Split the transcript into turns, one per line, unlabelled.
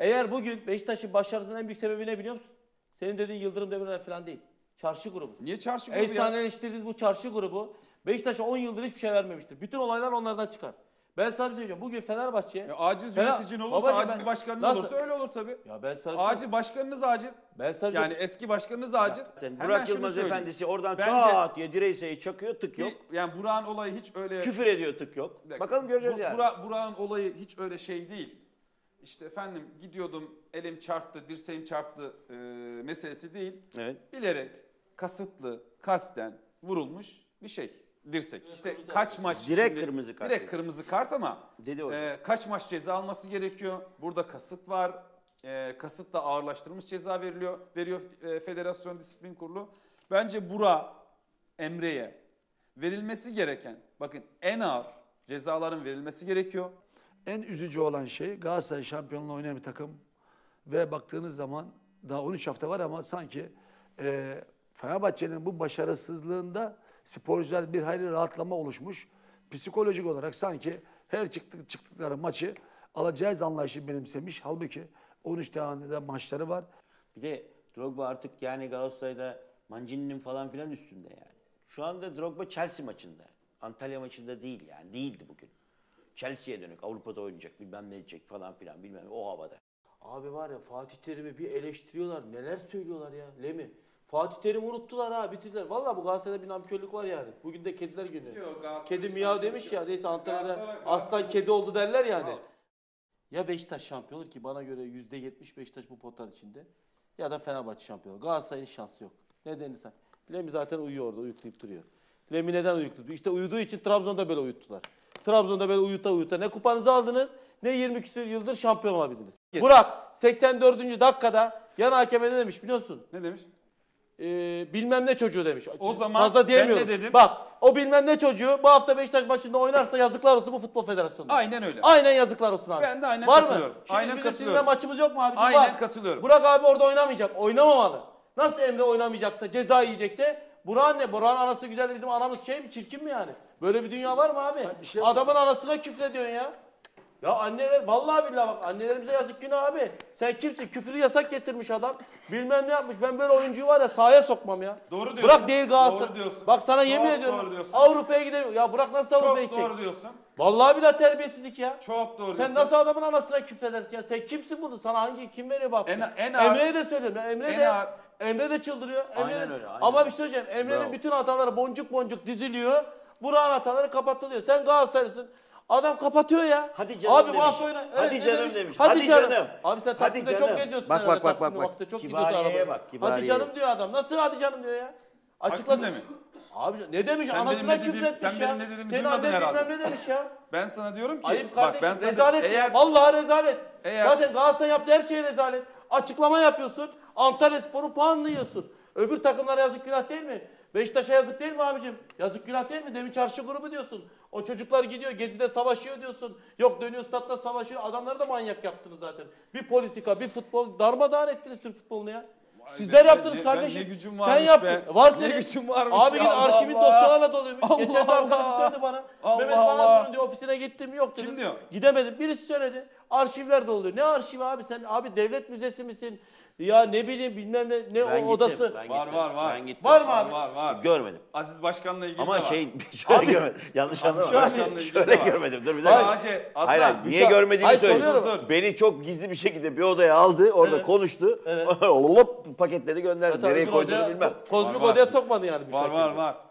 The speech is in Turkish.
Eğer bugün Beşiktaş'ın başarısının en büyük sebebi ne biliyor musun? Senin dediğin Yıldırım Demirören falan değil. Çarşı grubu.
Niye çarşı grubu ya?
Efsaneleştirdiğiniz bu çarşı grubu Beşiktaş'a 10 yıldır hiçbir şey vermemiştir. Bütün olaylar onlardan çıkar. Ben sana bir şey söyleyeceğim. Bugün Fenerbahçe...
Aciz yöneticin olursa,
Babacığım
aciz başkanın
nasıl?
olursa öyle olur tabii.
Ya ben sana
Acil başkanınız aciz.
Ben sana
Yani eski başkanınız aciz.
Burak Yılmaz Efendisi oradan
Bence-
çat diye direğe çakıyor, tık yok.
Yani Burak'ın olayı hiç öyle...
Küfür ediyor, tık yok. Bakalım göreceğiz yani.
Burak'ın olayı hiç öyle şey değil. İşte efendim gidiyordum, elim çarptı, dirseğim çarptı meselesi değil.
Evet.
Bilerek, kasıtlı, kasten vurulmuş bir şey. Dirsek. İşte kaç maç...
Direkt kırmızı kart
Direkt
dedi.
kırmızı kart ama
Dedi hocam.
kaç maç ceza alması gerekiyor? Burada kasıt var. Kasıtla ağırlaştırılmış ceza veriyor Federasyon Disiplin Kurulu. Bence Burak, Emre'ye verilmesi gereken, bakın en ağır cezaların verilmesi gerekiyor.
En üzücü olan şey Galatasaray şampiyonluğu oynayan bir takım ve baktığınız zaman daha 13 hafta var ama sanki Fenerbahçe'nin bu başarısızlığında sporcular bir hayli rahatlama oluşmuş. Psikolojik olarak sanki her çıktıkları maçı alacağız anlayışı benimsemiş. Halbuki 13 tane de maçları var.
Bir de Drogba artık yani Galatasaray'da Mancini'nin falan filan üstünde yani. Şu anda Drogba Chelsea maçında. Antalya maçında değil yani. Değildi bugün. Chelsea'ye dönük. Avrupa'da oynayacak bilmem ne edecek falan filan bilmem o havada.
Abi var ya Fatih Terim'i bir eleştiriyorlar. Neler söylüyorlar ya Lemi. Fatih Terim'i unuttular ha bitirdiler. Vallahi bu Galatasaray'da bir namkörlük var yani. Bugün de kediler günü. Kedi miyav demiş ya. Neyse Antalya'da aslan kedi oldu derler yani. Ya Beşiktaş şampiyon olur ki bana göre %70 Beşiktaş bu potanın içinde. Ya da Fenerbahçe şampiyon olur. Galatasaray'ın şansı yok. Nedenini sen. Lemi zaten uyuyor orada uyuklayıp duruyor. Lemi neden uyukluyor? İşte uyuduğu için Trabzon'da böyle uyuttular. Trabzon'da böyle uyuta ne kupanızı aldınız ne 20 küsur yıldır şampiyon olabildiniz. Burak 84. dakikada yan hakeme ne demiş biliyor musun?
Ne demiş?
Bilmem ne çocuğu demiş.
O zaman
fazla diyemiyorum.
ben ne dedim?
Bak o bilmem ne çocuğu bu hafta Beşiktaş maçında oynarsa yazıklar olsun bu futbol federasyonuna.
Aynen öyle.
Aynen yazıklar olsun abi.
Ben de aynen
Var
katılıyorum.
Mı? Şimdi
Aynen
bizim
katılıyorum.
sizinle maçımız yok mu abicim?
Aynen
Var.
katılıyorum.
Burak abi orada oynamayacak. Oynamamalı. Nasıl Emre oynamayacaksa ceza yiyecekse Burak'ın ne? Burak'ın anası güzel de bizim anamız şey mi çirkin mi yani? Böyle bir dünya var mı abi? Adamın anasına küfrediyorsun ya. Ya anneler vallahi billahi bak annelerimize yazık günah abi. Sen kimsin? Küfürü yasak getirmiş adam. Bilmem ne yapmış. Ben böyle oyuncuyu var ya sahaya sokmam ya.
Doğru diyorsun.
Burak değil Galatasaray.
Doğru diyorsun.
Bak sana
Çok
yemin
doğru
ediyorum.
diyorsun.
Avrupa'ya gidemiyor. Ya Burak nasıl Avrupa'ya
Çok
gidecek?
doğru diyorsun.
Vallahi billahi terbiyesizlik ya.
Çok doğru
Sen
diyorsun.
nasıl adamın anasına küfredersin ya? Sen kimsin bunu? Sana kim veriyor bak?
En ağır-
Emre'ye de söylüyorum. Ya. Emre de çıldırıyor.
Aynen öyle, aynen
Ama
öyle.
bir şey söyleyeceğim. Emre'nin
Bravo.
bütün hataları boncuk boncuk diziliyor. Burak'ın hataları kapatılıyor. Sen Galatasaraylısın. Adam kapatıyor ya.
Hadi canım
abi,
demiş.
bu hafta oyna.
Hadi
ne
canım demiş.
Hadi,
Hadi
canım.
canım.
Abi sen
Hadi
Taksim'de
canım.
çok geziyorsun.
Bak,
herhalde.
bak, bak,
Taksim'de
bak, bak.
Vakıfta çok
Kibariyeye
gidiyorsun arabaya.
bak, kibariyeye.
Hadi canım diyor adam. Nasıl hadi canım diyor ya?
Taksim'de mi?
Abi ne demiş?
Sen benim
Anasına
ne dediğim-
küfretmiş
sen
ya.
benim ne dediğimi
Senin
duymadın
annen
herhalde.
bilmem ne demiş ya.
Ben sana diyorum ki
Ayıp
bak
kardeşim.
ben sana
Rezalet.
eğer
Vallahi rezalet.
Eğer-
Zaten Galatasaray yaptığı her şey rezalet. Açıklama yapıyorsun. Antalyaspor'un puanını yiyorsun. Öbür takımlara yazık günah değil mi? Beşiktaş'a yazık değil mi abicim? Yazık günah değil mi? Demin çarşı grubu diyorsun. O çocuklar gidiyor Gezi'de savaşıyor diyorsun. Yok dönüyor statta savaşıyor. Adamları da manyak yaptınız zaten. Bir politika, bir futbol darmadağın ettiniz Türk futbolunu ya. Sizler yaptınız kardeşim.
Ne gücüm
Sen
varmış
yaptın.
be.
Var
Ne
senin.
gücüm varmış
Abi
ya,
git
Allah
arşivin
Allah.
dosyalarla doluymuş.
Allah
Geçen bir arkadaş
Allah.
söyledi bana.
Allah
Mehmet
Allah.
Balası'nın diyor ofisine gittim yok dedim.
Kim diyor?
Gidemedim. Birisi söyledi. Arşivler doluyor. Ne arşivi abi sen? Abi devlet müzesi misin? Ya ne bileyim bilmem ne
Ben
o
gittim,
odası.
ben
Var,
gittim,
var, var.
Ben gittim.
Var mı abi?
Var.
Görmedim.
Aziz Başkan'la ilgili
Ama
de var.
şöyle görmedim. Yanlış
Aziz
anlama.
Başkan'la ilgili
Şöyle
de var.
görmedim. Dur bir dakika.
Sadece
Hayır,
Adnan.
niye görmediğimi
Hayır,
söyleyeyim.
soruyorum.
Dur.
Beni çok gizli bir şekilde bir odaya aldı. Orada
Evet.
konuştu.
Evet.
Lop paketledi gönderdi.
Tabii
Nereye
bir
koyduğunu
odaya-
bilmem.
Kozmik
Var, var.
odaya sokmadı yani bu
Var
şekilde.
var var.